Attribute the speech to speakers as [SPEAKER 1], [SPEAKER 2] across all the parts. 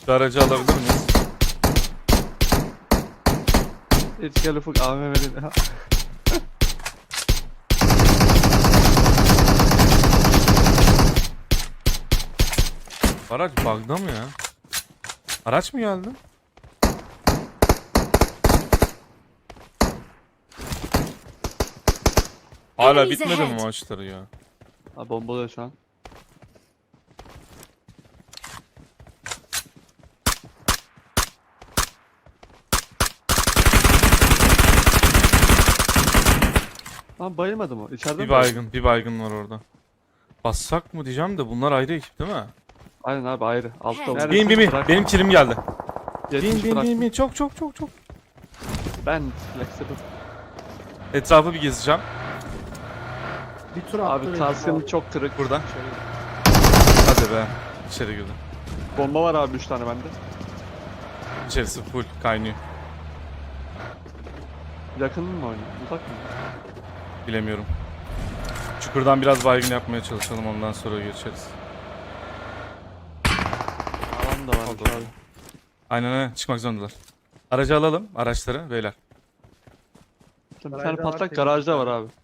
[SPEAKER 1] Şu aracı alabilir miyiz?
[SPEAKER 2] Hiç gel Ufuk AVM'li.
[SPEAKER 1] Araç bug'da mı ya? Araç mı geldi? Hala
[SPEAKER 3] Enemies
[SPEAKER 1] bitmedi mi
[SPEAKER 3] ahead.
[SPEAKER 1] maçları ya?
[SPEAKER 2] Abi bombalıyor şu an. Lan bayılmadı mı? İçeride
[SPEAKER 1] Bir
[SPEAKER 2] mi?
[SPEAKER 1] baygın, bir baygın var orada. Bassak mı diyeceğim de bunlar ayrı ekip değil mi?
[SPEAKER 2] Aynen abi ayrı. Altta
[SPEAKER 3] Hey.
[SPEAKER 2] oldu.
[SPEAKER 1] Bin. Benim kilim geldi.
[SPEAKER 2] 70 bıraktım.
[SPEAKER 1] Bin. Çok.
[SPEAKER 2] Ben flexible.
[SPEAKER 1] Etrafı bir gezeceğim.
[SPEAKER 4] Bir tur attı.
[SPEAKER 2] Abi taskın çok kırık.
[SPEAKER 1] Buradan.
[SPEAKER 2] Şöyle.
[SPEAKER 1] Hadi be. İçeri girdim.
[SPEAKER 2] Bomba var abi 3 tane bende.
[SPEAKER 1] İçerisi full kaynıyor.
[SPEAKER 2] Yakın mı oynuyor? Uzak mı?
[SPEAKER 1] Bilemiyorum. Çukurdan biraz baygın yapmaya çalışalım, ondan sonra geçeriz.
[SPEAKER 2] Alan da varmış
[SPEAKER 1] Oldu.
[SPEAKER 2] abi.
[SPEAKER 1] Aynen çıkmak zorundalar. Aracı alalım, araçları beyler.
[SPEAKER 2] Bir tane
[SPEAKER 4] Garajda var,
[SPEAKER 2] patlak
[SPEAKER 4] temiz
[SPEAKER 2] garajda
[SPEAKER 4] bir
[SPEAKER 2] var abi.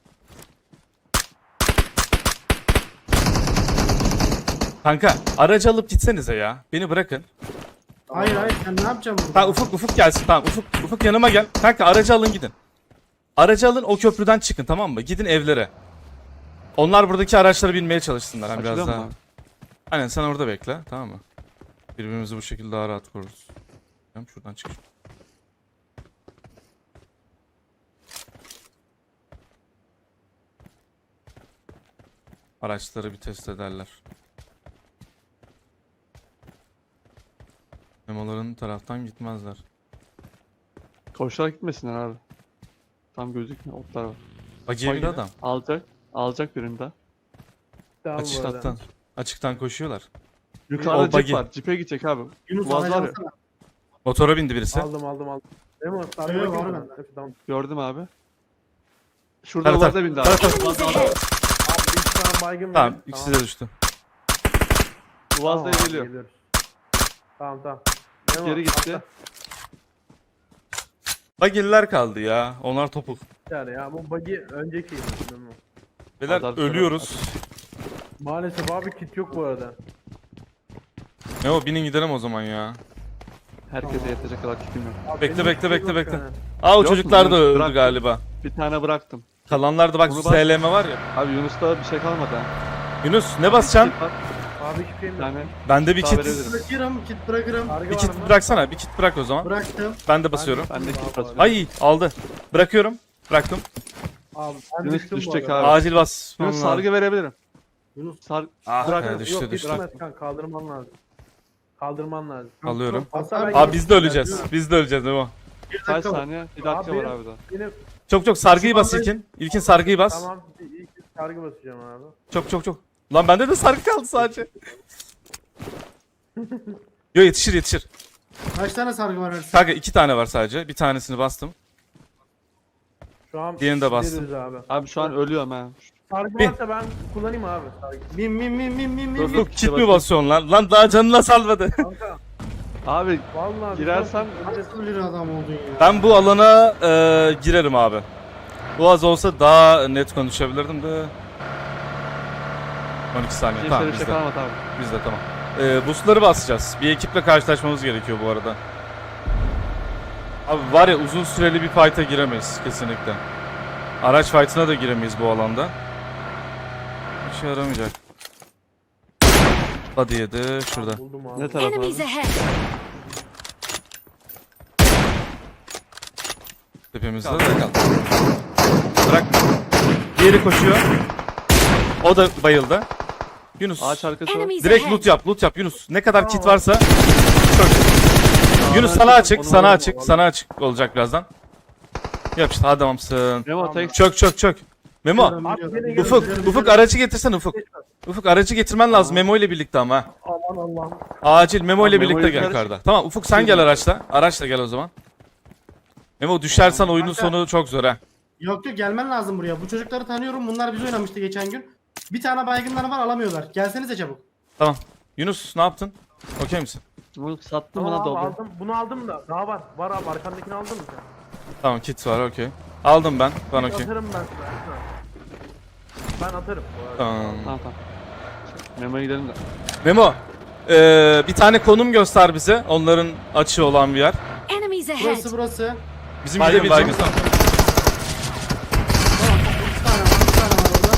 [SPEAKER 1] Kanka aracı alıp gitsenize ya. Beni bırakın.
[SPEAKER 4] Hayır sen ne yapacaksın burada?
[SPEAKER 1] Tamam Ufuk gelsin, tamam Ufuk yanıma gel. Kanka aracı alın gidin. Aracı alın, o köprüden çıkın, tamam mı? Gidin evlere. Onlar buradaki araçlara binmeye çalışsınlar. Hani biraz
[SPEAKER 2] Açılıyor mu
[SPEAKER 1] daha.
[SPEAKER 2] abi?
[SPEAKER 1] Aynen sen orada bekle, tamam mı? Birbirimizi bu şekilde daha rahat koruruz. Tamam, şuradan çık. Araçları bir test ederler. Memoların taraftan gitmezler.
[SPEAKER 2] Koşarak gitmesinler abi. Tam gözükmüyor. Otlar var.
[SPEAKER 1] Bagiye bir adam.
[SPEAKER 2] Alacak. Alacak birinde.
[SPEAKER 4] Tamam bu arada.
[SPEAKER 1] Açıktan. Açıktan koşuyorlar.
[SPEAKER 2] Yukarıda
[SPEAKER 1] O
[SPEAKER 2] cip
[SPEAKER 1] buggy.
[SPEAKER 2] var. Cipe gidecek abi.
[SPEAKER 4] Yunus
[SPEAKER 2] Boğaz var ya.
[SPEAKER 4] alsana.
[SPEAKER 1] Motora bindi birisi.
[SPEAKER 5] Aldım. Memo
[SPEAKER 4] Evet,
[SPEAKER 5] sargı
[SPEAKER 4] var
[SPEAKER 5] var
[SPEAKER 4] bende.
[SPEAKER 5] Tamam.
[SPEAKER 2] Gördüm abi. Şurada
[SPEAKER 1] Tara,
[SPEAKER 2] Boğaz'a
[SPEAKER 1] tara.
[SPEAKER 2] bindi abi.
[SPEAKER 1] Tara.
[SPEAKER 5] Abi bir tane baygın
[SPEAKER 1] Tamam,
[SPEAKER 5] verin.
[SPEAKER 1] ikisi de düştü.
[SPEAKER 2] Boğaz'da
[SPEAKER 5] Tamam abi,
[SPEAKER 2] geliyor.
[SPEAKER 5] geliyoruz. Tamam. Memo,
[SPEAKER 2] Geri gitti.
[SPEAKER 5] atla.
[SPEAKER 1] Bagiller kaldı ya. Onlar topuk.
[SPEAKER 5] Yani ya bu buggy önceki Memo.
[SPEAKER 1] Beyler
[SPEAKER 2] Azar-
[SPEAKER 1] ölüyoruz.
[SPEAKER 5] Maalesef abi kit yok bu arada.
[SPEAKER 1] Ne o, binin gidelim o zaman ya.
[SPEAKER 2] Herkese yetecek kadar kitim yok.
[SPEAKER 5] Abi
[SPEAKER 1] Bekle,
[SPEAKER 5] benim
[SPEAKER 1] bekle,
[SPEAKER 5] kit
[SPEAKER 1] bekle,
[SPEAKER 5] yok
[SPEAKER 1] bekle.
[SPEAKER 5] yani.
[SPEAKER 1] Aa o
[SPEAKER 2] Yok mu?
[SPEAKER 1] çocuklar da
[SPEAKER 2] Yunus,
[SPEAKER 1] öldü
[SPEAKER 2] bırak.
[SPEAKER 1] galiba.
[SPEAKER 2] Bir tane bıraktım.
[SPEAKER 1] Kalanlar da bak
[SPEAKER 2] Bunu
[SPEAKER 1] şu
[SPEAKER 2] bas.
[SPEAKER 1] SLM var ya.
[SPEAKER 2] Abi Yunus'ta bir şey kalmadı ha.
[SPEAKER 1] Yunus ne basacaksın?
[SPEAKER 2] Kit var,
[SPEAKER 5] Abi hiçbir şeyim
[SPEAKER 2] Bir
[SPEAKER 5] yok.
[SPEAKER 2] tane.
[SPEAKER 1] Bende bir
[SPEAKER 2] Daha
[SPEAKER 1] kit.
[SPEAKER 2] verebilirim.
[SPEAKER 4] Bırakırım, kit bırakırım.
[SPEAKER 5] Sargı
[SPEAKER 1] Bir
[SPEAKER 5] var
[SPEAKER 1] kit
[SPEAKER 5] mı?
[SPEAKER 1] bıraksana. Bir kit bırak o zaman.
[SPEAKER 4] Bıraktım.
[SPEAKER 1] Ben de basıyorum.
[SPEAKER 2] Ben de kit
[SPEAKER 5] Abi.
[SPEAKER 2] basıyorum.
[SPEAKER 1] Ay aldı. Bırakıyorum. Bıraktım.
[SPEAKER 5] Abi ben
[SPEAKER 2] Yunus
[SPEAKER 5] düştüm bu
[SPEAKER 2] düşecek
[SPEAKER 5] arada.
[SPEAKER 2] abi.
[SPEAKER 1] Acil bas.
[SPEAKER 2] Yunus sargı verebilirim.
[SPEAKER 4] Yunus.
[SPEAKER 1] Ah
[SPEAKER 5] Bırak,
[SPEAKER 1] be, düştü
[SPEAKER 5] yok,
[SPEAKER 1] düştü.
[SPEAKER 5] gitmez kanka, kaldırman lazım. Kaldırman lazım.
[SPEAKER 1] Alıyorum.
[SPEAKER 5] Hasan ben
[SPEAKER 1] Abi biz de öleceğiz. Biz de öleceğiz Memo.
[SPEAKER 2] Kaç saniye? Bir dakika
[SPEAKER 5] Abi.
[SPEAKER 2] var abi daha.
[SPEAKER 5] Benim
[SPEAKER 1] Çok sargıyı bas İlkin. İlkin sargıyı bas.
[SPEAKER 5] tamam ilk sargı basacağım abi.
[SPEAKER 1] Çok. Lan bende de sargı kaldı sadece. Yo yetişir.
[SPEAKER 4] Kaç tane sargı var Ersin?
[SPEAKER 1] Kanka 2 tane var sadece. Bir tanesini bastım.
[SPEAKER 5] Şu an
[SPEAKER 1] Diğerini de bastım.
[SPEAKER 5] gideriz abi.
[SPEAKER 2] Abi şu an ölüyorum ha.
[SPEAKER 5] Sargı
[SPEAKER 1] Bin.
[SPEAKER 5] varsa ben kullanayım abi sargı.
[SPEAKER 4] Bin.
[SPEAKER 2] Dur,
[SPEAKER 1] Dur kit mi basıyorsun lan? Lan daha canına salmadı.
[SPEAKER 5] Kanka
[SPEAKER 2] Abi
[SPEAKER 5] vallahi
[SPEAKER 2] girersen
[SPEAKER 4] Nasıl bir adam oldun ya?
[SPEAKER 1] Ben bu alana girerim abi. Bu az olsa daha net konuşabilirdim de. 12 saniye.
[SPEAKER 2] kimse
[SPEAKER 1] Tamam
[SPEAKER 2] bir şey
[SPEAKER 1] bizde.
[SPEAKER 2] kalmadı abi.
[SPEAKER 1] Bizde tamam. Boostları basacağız. Bir ekiple karşılaşmamız gerekiyor bu arada. Abi var ya uzun süreli bir fight'a giremeyiz kesinlikle. Araç fight'ına da giremeyiz bu alanda. Bir şey yaramayacak. Hadi yedi şurada.
[SPEAKER 5] buldum abi.
[SPEAKER 2] Ne taraf
[SPEAKER 3] Enemies
[SPEAKER 2] abi?
[SPEAKER 3] ahead.
[SPEAKER 1] Tepemizde de kaldı. Bırak. Diğeri koşuyor. O da bayıldı. Yunus.
[SPEAKER 2] Ağaç arkası var.
[SPEAKER 3] Enemies
[SPEAKER 1] Direkt
[SPEAKER 3] ahead.
[SPEAKER 1] loot yap Yunus. Ne kadar kit varsa. Çok. Yunus sana açık, sana açık olacak birazdan. Yap işte adamsın.
[SPEAKER 2] Memo tek
[SPEAKER 1] Çök. Memo,
[SPEAKER 5] Abi beni
[SPEAKER 1] Ufuk aracı getirsen Ufuk. Ufuk aracı getirmen lazım Memo ile birlikte ama. ha.
[SPEAKER 5] Aman Allah'ım.
[SPEAKER 1] Acil Memo ile
[SPEAKER 2] Tamam,
[SPEAKER 1] birlikte
[SPEAKER 2] Memo'yu
[SPEAKER 1] gel
[SPEAKER 2] karış-
[SPEAKER 1] yukarıda. Tamam Ufuk sen gel araçla. Araçla gel o zaman. Memo düşersen oyunun sonu çok zor ha.
[SPEAKER 4] Yok gelmen lazım buraya. Bu çocukları tanıyorum. Bunlar biz oynamıştı geçen gün. Bir tane baygınları var alamıyorlar. Gelsenize çabuk.
[SPEAKER 1] Tamam. Yunus ne yaptın? Okey misin?
[SPEAKER 2] Bunu sattım
[SPEAKER 5] Tamam
[SPEAKER 2] buna
[SPEAKER 5] abi
[SPEAKER 2] doldu.
[SPEAKER 5] aldım. Bunu aldım da daha var. Var abi arkandakini aldın mı sen?
[SPEAKER 1] Tamam kit var okey. Aldım ben. Bana okey.
[SPEAKER 5] Atarım ben sana. Ben atarım. bu arada.
[SPEAKER 1] Tamam.
[SPEAKER 2] Tamam tamam. Memo'ya gidelim de.
[SPEAKER 1] Memo. Bir tane konum göster bize. Onların açığı olan bir yer.
[SPEAKER 3] Enemies ahead!
[SPEAKER 4] Burası.
[SPEAKER 1] Bizim
[SPEAKER 6] Baygın,
[SPEAKER 1] gidebileceğimiz...
[SPEAKER 4] Tamam. Bir tane var. Bir tane var orada.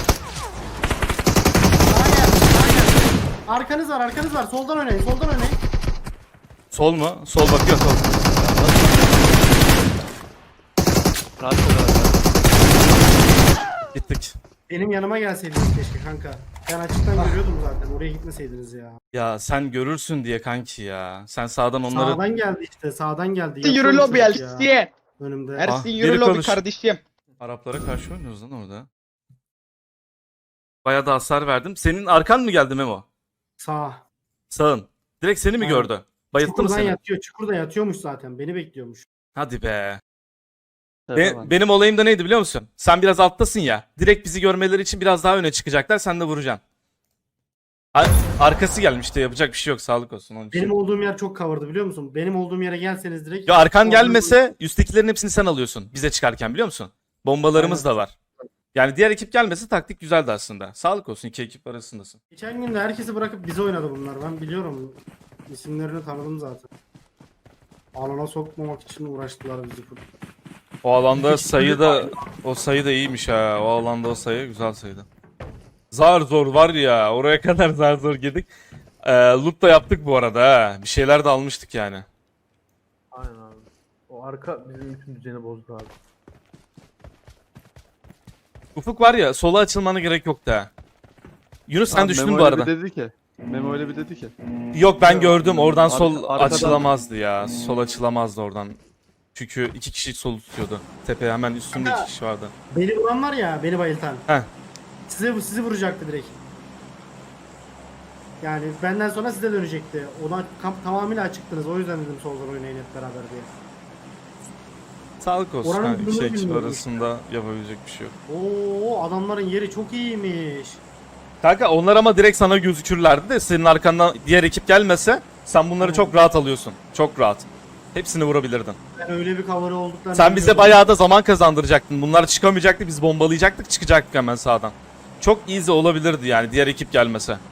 [SPEAKER 4] Arkanız var, arkanız var. Soldan oynayın, soldan oynayın.
[SPEAKER 1] Sol mu? Sol bakıyor sol.
[SPEAKER 2] Rahat ol abi.
[SPEAKER 1] Gittik.
[SPEAKER 4] Benim yanıma gelseydiniz keşke kanka. Ben açıktan görüyordum zaten. Oraya gitmeseydiniz ya.
[SPEAKER 1] Ya sen görürsün diye kanki ya. Sen sağdan onları...
[SPEAKER 4] Sağdan geldi işte, sağdan geldi.
[SPEAKER 7] Yürü
[SPEAKER 4] Yapıyor
[SPEAKER 7] lobi
[SPEAKER 4] çocuk ya.
[SPEAKER 7] Elsiye.
[SPEAKER 4] Önümde.
[SPEAKER 7] Ersin
[SPEAKER 1] biri
[SPEAKER 7] yürü lobi
[SPEAKER 1] konuş.
[SPEAKER 7] kardeşim.
[SPEAKER 1] Araplara karşı oynuyoruz lan orada. Bayağı da hasar verdim. Senin arkan mı geldi Memo?
[SPEAKER 4] Sağ.
[SPEAKER 1] Sağın. Direkt seni mi
[SPEAKER 4] Aynen.
[SPEAKER 1] gördü? Bayılttı mı
[SPEAKER 4] Çukurdan
[SPEAKER 1] seni?
[SPEAKER 4] yatıyor. Çukurda yatıyormuş zaten. Beni bekliyormuş.
[SPEAKER 1] Hadi be.
[SPEAKER 2] Tamam.
[SPEAKER 1] Benim olayım da neydi biliyor musun? Sen biraz alttasın ya. Direkt bizi görmeleri için biraz daha öne çıkacaklar. Sen de vuracaksın. Arkası gelmişti. Yapacak bir şey yok. Sağlık olsun. Onun için.
[SPEAKER 4] Benim olduğum yer çok cover'dı biliyor musun? Benim olduğum yere gelseniz direkt.
[SPEAKER 1] Ya arkan
[SPEAKER 4] Oradan-
[SPEAKER 1] gelmese üsttekilerin hepsini sen alıyorsun. Bize çıkarken biliyor musun? Bombalarımız da var. Yani diğer ekip gelmese taktik güzeldi aslında. Sağlık olsun, iki ekip arasındasın.
[SPEAKER 4] Geçen gün de herkesi bırakıp bize oynadı bunlar. Ben biliyorum. İsimlerini tanıdım zaten. Alana sokmamak için uğraştılar bizi.
[SPEAKER 1] O alanda
[SPEAKER 4] İki
[SPEAKER 1] sayı da o sayı da iyiymiş ha. O alanda o sayı güzel sayıydı. Zar zor var ya. Oraya kadar zar zor girdik. Loot da yaptık bu arada ha. Bir şeyler de almıştık yani.
[SPEAKER 5] Aynen abi. O arka bizim bütün düzeni bozdu abi.
[SPEAKER 1] Ufuk var ya, sola açılmana gerek yoktu ha. Yunus sen
[SPEAKER 2] Abi
[SPEAKER 1] düştün
[SPEAKER 2] Memo
[SPEAKER 1] bu
[SPEAKER 2] öyle
[SPEAKER 1] arada.
[SPEAKER 2] bir dedi ki. Memo öyle bir dedi ki.
[SPEAKER 1] Yok ben gördüm. Oradan sol
[SPEAKER 2] arkadan-
[SPEAKER 1] açılamazdı ya. Sol açılamazdı oradan. Çünkü iki kişi solu tutuyordu. Tepe hemen üstünde iki kişi vardı.
[SPEAKER 4] Beni vuran var ya, beni bayıltan.
[SPEAKER 1] Heh.
[SPEAKER 4] Sizi vuracaktı direkt. Yani benden sonra size dönecekti. Ona tamamıyla açıktınız. O yüzden dedim soldan oynayın hep beraber diye.
[SPEAKER 1] Sağlık olsun.
[SPEAKER 4] Oranın
[SPEAKER 1] Ha, iki
[SPEAKER 4] durumunu
[SPEAKER 1] ekip
[SPEAKER 4] bilmiyorum
[SPEAKER 1] arasında yapabilecek bir şey yok.
[SPEAKER 4] Oo, adamların yeri çok iyiymiş.
[SPEAKER 1] Kanka onlar ama direkt sana gözükürlerdi de senin arkandan diğer ekip gelmese sen bunları çok rahat alıyorsun. Çok rahat. Hepsini vurabilirdin.
[SPEAKER 4] Ben öyle bir cover'ı olduklarını
[SPEAKER 1] Sen bize
[SPEAKER 4] bilmiyordum.
[SPEAKER 1] bayağı da zaman kazandıracaktın. Bunlar çıkamayacaktı, biz bombalayacaktık, çıkacaktık hemen sağdan. Çok easy olabilirdi yani diğer ekip gelmese.